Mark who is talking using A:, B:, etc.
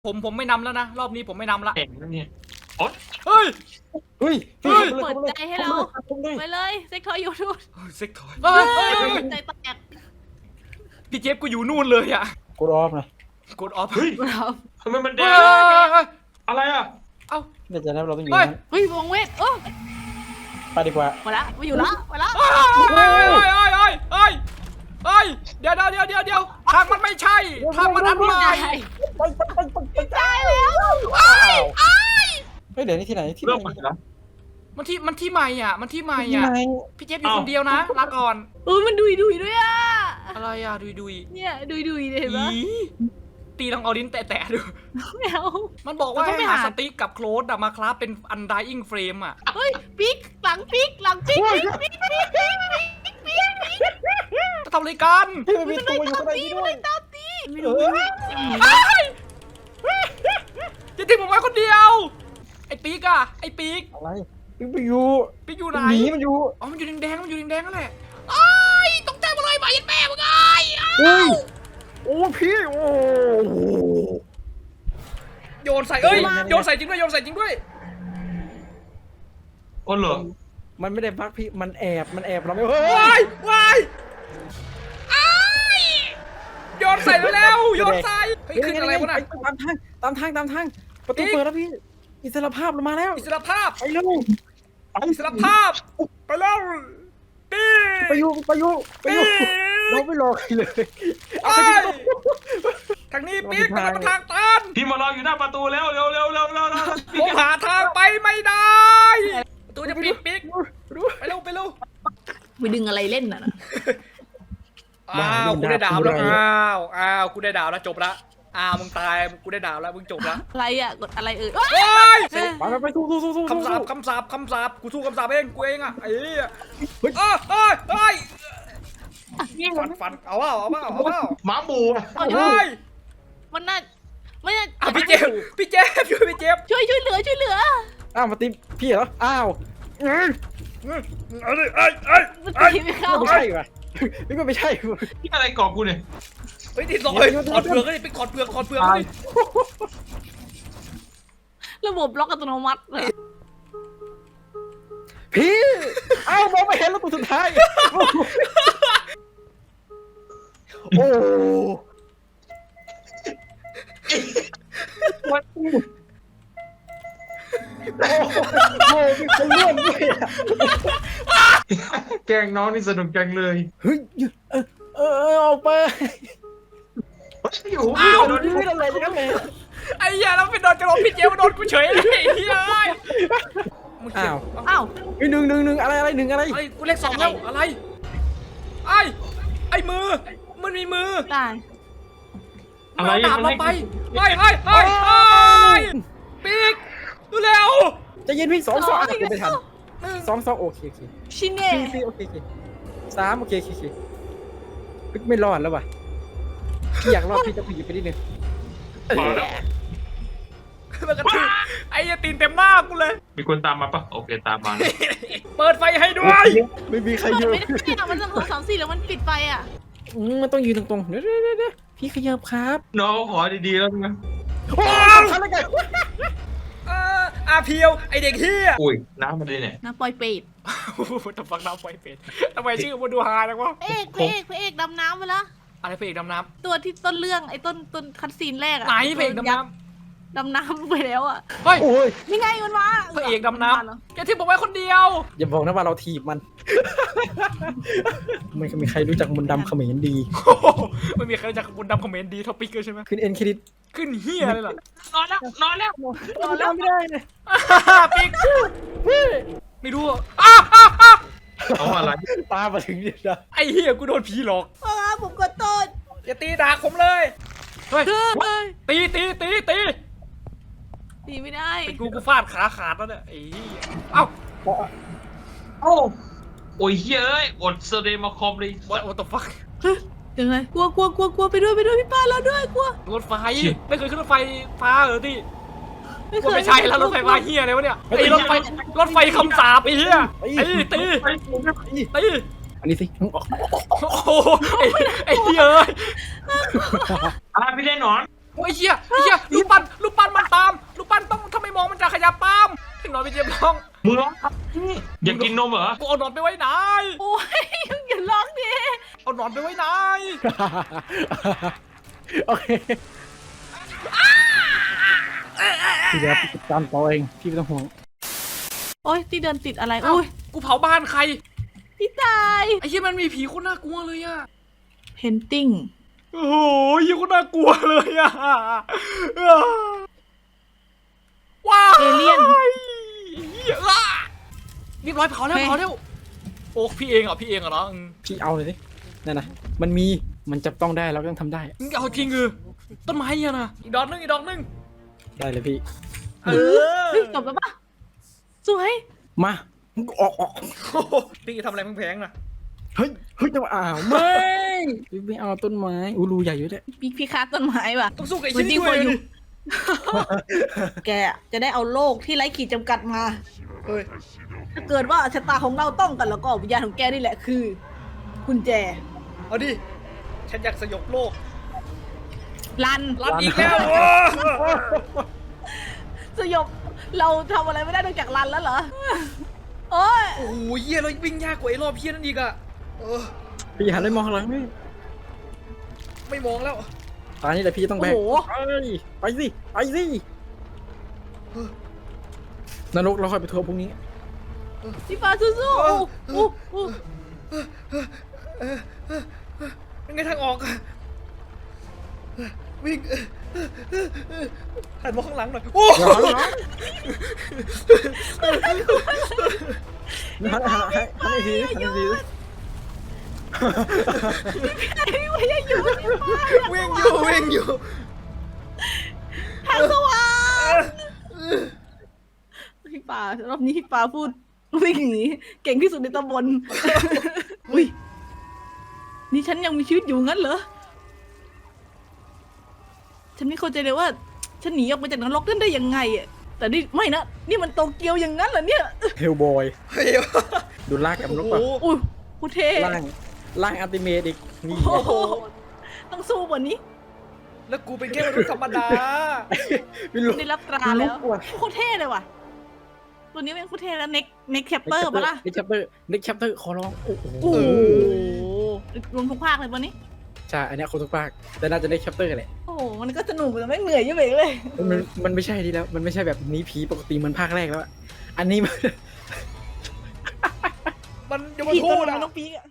A: ผมไม่นำแล้วนะรอบนี้ผมไม่นำละ
B: เก่งนะเนี่ยโอ๊ย
A: เฮ้ย
C: เฮ้ย
A: เฮ้ย
D: เปิดใจให้เราไปเลยเซ็กทอยอยู่นู่น
A: เซ็กทอยเฮ้ย
D: ใจแตก
A: พี่เจฟกูอยู่นู่นเลยอะ
C: กดออฟหน่อย
A: กดออฟ
B: เฮ้ย
D: เรา
B: ทำไมมันแด
A: เฮ้
B: ง
A: ย
B: อะไรอ่ะ
A: เอ้า
C: เดี๋ยวจะนับเราต้องอยู่
A: เฮ้ย
C: นั้น
D: เฮ้ยวงเวทโอ้
C: ไปดีกว่า
D: มาละมาอยู่ละมาละ
A: เฮ้ยเดี๋ยวทางมันไม่ใช่ทางมันอันใหม่
C: ไป
D: ตายแล้ว
C: เฮ้ยเดี๋ยวนี้ที่ไหนที่ไห
B: เริ่มใหม่
C: น
B: แล้ว
A: มันที่ใหม่อ่ะมันที่ใหม่
C: ที่
A: อ่ะ
C: ไหน
A: พี่เจฟอยู่คนเดียวนะลาก่อน
D: มันดุยด้วยอ่ะ
A: อะไรอ่ะดุย
D: เนี่ยดุยเห็นปะ
A: ตีลองเอาลิ้นแตะดู
D: ไม่เอา
A: มันบอกว่า
D: เราต้องไป
A: ให้หา
D: หา
A: สติ๊กกับโคลดมาคราฟเป็นอันไดอิงเฟรมอ่ะ
D: เฮ้ยปิ๊กหลังปิ๊ก
A: จะทำอะไรกัน
C: เฮ้ยมันมีตัวอยู่ข้างในนี้ด้วย
D: ตามตี
C: เออ
A: จะทิ้งผมไว้คนเดียวไอ้ปีกอะไอ้ปีก
C: อะไรมันไปอยู่
A: ปีกอยู่ไหน
C: หนีมันอยู่
A: อ๋อมันอยู่แดงนั่นแหละไอ้ตกใจหมดเลยหมายันแม่มึงไง
C: เฮ้ยโอ้พี่โอ้
A: โยนใส่เอ้ยโยนใส่จริงด้วย
B: โอ้เหรอ
C: มันไม่ได้พักพี่มันแอบเราไม่เฮ้
A: ว้ายไอ้โยนใส่แล้วโยนใส่เฮ้ยขึ้นอะไรวะน่ะ
C: ตามทางประตูเปิดแล้วพี่อิสรภาพเรามาแล้ว
A: อิสรภาพ
C: ไปเร็ว
A: อิสรภาพไปแล้วตี
C: ไปอยู่เราไม่รอใครเลย
A: ไอ้ทางนี้ปีกมันมาทางตัน
B: พี่มารออยู่หน้าประตูแล้วเร็ว
A: ผมหาทางไปไม่ได้ประตูจะปิดปีกไปเร็ว
D: ไปดึงอะไรเล่นน่ะ
A: อ้าวกูได้ดาวแล้วอ้าวกูได้ดาวแล้วจบละอ้าวมึงตายกูได้ดาวแล้วมึงจบละ
D: อะไรอ่ะกดอะไร
A: เฮ้ย
C: ไปสู้
A: คำสาปกูสู้คำสาปเองกูเองอ่ะไอ้เหี้ยเฮ้ยฟันเอาเปล่า
B: หมาหมูอะ
A: เฮ้ย
D: มันน่า
A: อ่ะพี่เจฟช่วยพี่เจฟ
D: ช่วยเหลือ
C: อ้าวมาตีพี่เหรออ้าว
A: ไอ้
D: มันตีไม่เข้า
C: ไม่ใช่ว่ะนี่ก็ไม่ใช่
B: นี่อะไรกรอบกูเนี่ย
A: เฮ้ยติดลอยถอดเปลือกก็ดิไปถอดเปลือกก็ดิ
D: ระบบล็อกอัตโนมัติเลย
C: พี่อ้าวมองไม่เห็นแล้วตัวสุดท้ายโอ้โหมีคนร่วมด้วยอ่ะ
B: แกล้งน้องนี่สนุกจังเลย
C: เฮ้ยออกไป
B: อยู่
C: โดนที่ไม่ได้อะไรทั้งนั้นเลย
A: ไอ้เหี้ยแล้วไปโดนกระโดดพี่เจฟมาโดนกูเฉยเลยไอ้เหี้ย
C: อ้าว
D: อ้าว
C: หนึ่งอะไรหนึ่งอะไร
A: ไอ้กูเลข2แล้วอะไรไอ้มือมันมีมือ
D: ตาย
A: มันเอาดาบเราไปปีกเร็ว
C: จะยินพี่สองอ่ะกูไม่ทันสองโอเค
D: ชิเน่
C: สี่โอเคสามโอเคไม่รอดแล้วว่ะพี่อยากรอดพี่จะผีไปนิดนึง
A: มันกระทืบไอ้ยาตีนเต็มหน้ากูเลย
B: มีคนตามมาปะโอเคตามมา
A: เปิดไฟให้ด้วย
C: ไม่มีใคร
D: มัน
C: อยู่
D: ไม่ได้มันจะ2 3 4แล้วมันปิดไฟอ่ะ
C: มันต้องยืนตรงๆเดี๋ยวพี่ขยับครับ
B: น้องขอดีๆแล้วนะ
C: โอ้ทำอะไรกัน
A: อาเพียวไอเด็กเฮีย
B: อุ้ยน้ำมาดิเนี่ย
D: นะปล่อยเป็ด
A: ทำฟังน้ำไฟเป็นทำไมชื่อมันดูฮาจังวะ
D: พระเอกดำน้ำไปละ
A: อะไรเพลงดำน้
D: ตัวที่ต้นเรื่องไอ้ต้นคัดซีนแรก
A: ำ
D: อะ
A: ไหนเพลงดำน้
D: ดำน้ำไปแล้วอะ
A: ำเฮ้ย
C: โอ้ย
D: นี่ไงมันมา
A: พระเอกดำน้ำแกที่บอกไว้คนเดียว
C: อย่าบอกนะว่าเราถีบมันไม่มีใครรู้จักมนต์ดำเขมรดี
A: ไม่มีใครจากบุญดำคอมเมนต์ดีท็อปิกเลยใช่ไหม
C: ขึ้นเอ็นเครดิต
A: ขึ้นเฮียเลยล่ะ
B: นอนแล้ว
C: เราไม่ได้เลย
A: ปิ๊กไม่รู้
B: เอาอะไร
C: ตามาถึงเนี่ยนะ
A: ไอเฮียกูโดนผีหลอก
D: ผมก็ต้น
A: อย่าตีดาผมเลยเฮ้ย ตี
D: ตีไม่ได้
A: เป็นกูฟาดขาขาดแล้วเนี่ยไอ้เหี้ยเอ้า
B: โอ้ยเฮ้ยอดเซเดมาคอมเลย
A: what the fuck
D: ยังไงกลัวไปด้วยพี่ป้าเราด้วยกลัว
A: รถไฟไม่เคยขึ้นรถไฟฟ้าเหรอที่ว่าไม่ใช่แล้วรถไฟฟ้าเฮียอะไรวะเนี่ยไอ้รถไฟคำสาปไอ้เฮียตี
C: อันนี้สิ
A: โอ้โหไอ้เฮียเอ้ย
B: อะไรพี่ได้หนอน
A: ไอ้เหี้ยลูกปั้นมันตามลูกปั้นต้องถ้าไม่มองมันจะขยับตามพี่หนอนไปเจ็บร้อง
B: มึงร้องอยากกินนมเหรอ
A: กูเอาหนอนไปไว้ไหน
D: โอ้ยอย่าร้องดิ
A: เอาหนอนไปไว้ไหน
C: โอเคพี่เดี๋ยวพี่จัดการต่อเองพี่ไม่ต้องห่วง
D: โอ้ยที่เดินติดอะไร
A: เอ้า
D: โอ้ย
A: กูเผาบ้านใคร
D: พี่ตาย
A: ไอ้เหี้ยมันมีผีโคตรน่ากลัวเลยอะ
D: เพนติ้ง
A: โอ้โหเหี้ยโคตรน่ากลัวเลยอะว้าว
D: เอเลี่ยน
A: เหี้ยอ่ะเรียบร้อยเผาแล้วโอ้พี่เองเหรอเนาะ
C: พี่เอาเลยดินั่นนะมันจับต้องได้เราก็ต้องทำได้
A: มึงเอาจริงต้นไม้เนี่ยนะอีกดอกนึง
C: ได้เลยพี่
A: เออ
D: เฮ้ยจบแล้วปะสวย
C: มาออก
A: พี่ทำอะไรแพงๆนะ
C: เฮ้ยจะมาไม่เอาต้นไม้รูใหญ่อยู่เนี่ย
D: พี่คาต้นไม้ว่ะ
A: ต้องสู้กับไอ้
D: เหมื
A: ชิ้
D: อน
A: น
D: จริ
A: นี้
D: ง
A: ด้วย
D: พออยู่ แกจะได้เอาโลกที่ไร้ขีดจำกัดมา
A: เฮ้ย
D: ถ้าเกิดว่าชะตาของเราต้องกันแล้วก็วิญญาณของแกนี่แหละคือกุญแจ
A: เอาดิฉันอยากสยบโลก
D: ลัน
A: รับอีกแล้ว
D: สยบเราทำอะไรไม่ได้นอกจากรันแล้วเหรอ โอ้ย
A: โอ้โหเหี้ยเราวิ่งยากกว่าไอ้รอบเหี้ยนั่นอีกอะ
C: พี่หันไปมองข้างหลังนี่
A: ไม่มองแล้ว
C: ตอนนี้แหละพี่ต้องแบก
D: โอ้โห
C: ไปสินรกเราค่อยไปทัวร์พรุ่งนี้
D: พี่ฟ้าสู้ๆอู้
A: ยังไงทางออกอะวิ่งหันมาข้างหลังหน่อยโอ้
C: หันอีกที
D: พี่ว่ายังอยู่ที่ฟ้า
A: วิ่งอยู่
D: ทางสว่างพี่ฟ้ารอบนี้พี่ฟ้าพูดวิ่งหนีเก่งที่สุดในตำบล อุ้ยนี่ฉันยังมีชีวิตอยู่งั้นเหรอ ฉันไม่เข้าใจเลยว่า ฉันหนีออกมาจากนรกนั่นได้ยังไงอ่ะแต่นี่ไม่นะนี่มันโตเกียวอย่างนั้นเหรอเนี่ย
C: เฮลบอย
A: เฮ้ย
C: ดูลากกับนรก
A: โอ้
C: ป่ะ
A: โห
D: อุ้ยพูเท่
C: ล่างอัลติเมทอีกนี่
D: โอ้โหต้องสู้กว่านี้
A: แล้วกูเป็นแค่มนุษย์ธรรมดา
C: ไม่รู้
D: ได้รับตราแล้วโคตรเท่เลยว่ะ ตัวนี้เป็นโคตรเท่แล้วเน็กแคปเปอร์ปะล่ะ
C: เน็กแคปเตอร์ขอร้องโอ้โห
D: โอ้โหรวมทุกภาคเลยปะนี้
C: ใช่อันนี้คนทุกภาคแต่น่าจะเน็กแคปเตอร์แหละ
D: โอ้โหมันก็สนุกแต่ไม่เหนื่อยยังไงเลย
C: มันไม่ใช่ดีแล้วมันไม่ใช่แบบนี้ผีปกติเหมือนภาคแรกแล้วอันนี้มัน
A: มันจะมา
D: ผี
A: ทู
D: ตัว
A: ด
D: มัน
A: อะ
D: ต้องปีกอะ